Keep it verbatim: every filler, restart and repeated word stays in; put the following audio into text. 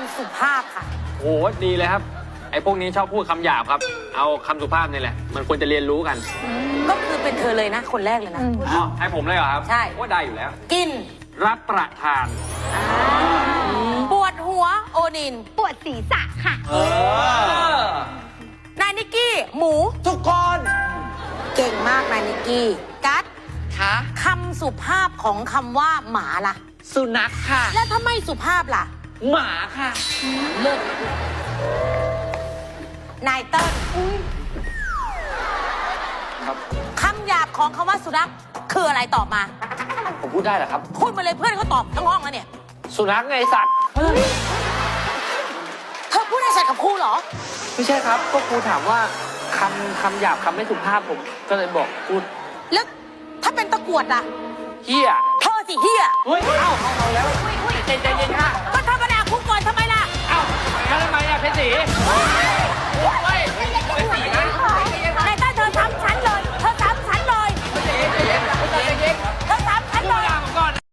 ำสุภาพค่ะโอ้ดีเลยครับไอ้พวกนี้ชอบพูดคำหยาบครับเอาคำสุภาพนี่แหละมันควรจะเรียนรู้กันก็คือเป็นเธอเลยนะ คนแรกเลยนะอ๋อให้ผมเลยเหรอครับใช่ว่าได้อยู่แล้วกินรับประทานปวดหัวโอนินปวดศีรษะค่ะเออนายนิกกี้ หมูทุกคนเก่งมากนายนิกกี้กัดคะคำสุภาพของคำว่าหมาล่ะสุนัขค่ะแล้วถ้าไม่สุภาพล่ะหมาค่ะเลิกนายเติ้ลครับคำหยาบของคำว่าสุนัขคืออะไรตอบมาผมพูดได้เหรอครับพูดมาเลยเพื่อนเขาตอบทั้งห้องแล้วเนี่ยสุนัขไงสัตว์เธอพูดให้ใส่กับครูเหรอไม่ใช่ครับ ก็ครูถามว่าคำคำหยาบคำไม่สุภาพผม ก็เลยบอกพูดแล้วถ้าเป็นตะกรวดล่ะเฮียเธอสิเฮียเฮ้ย เอ้าเอาเอาแล้วใจใจเย็นค่ะก็ธรรมดาคุกก่อนทำไมล่ะเอ้าแล้วทำไมอ่ะเพชรศรี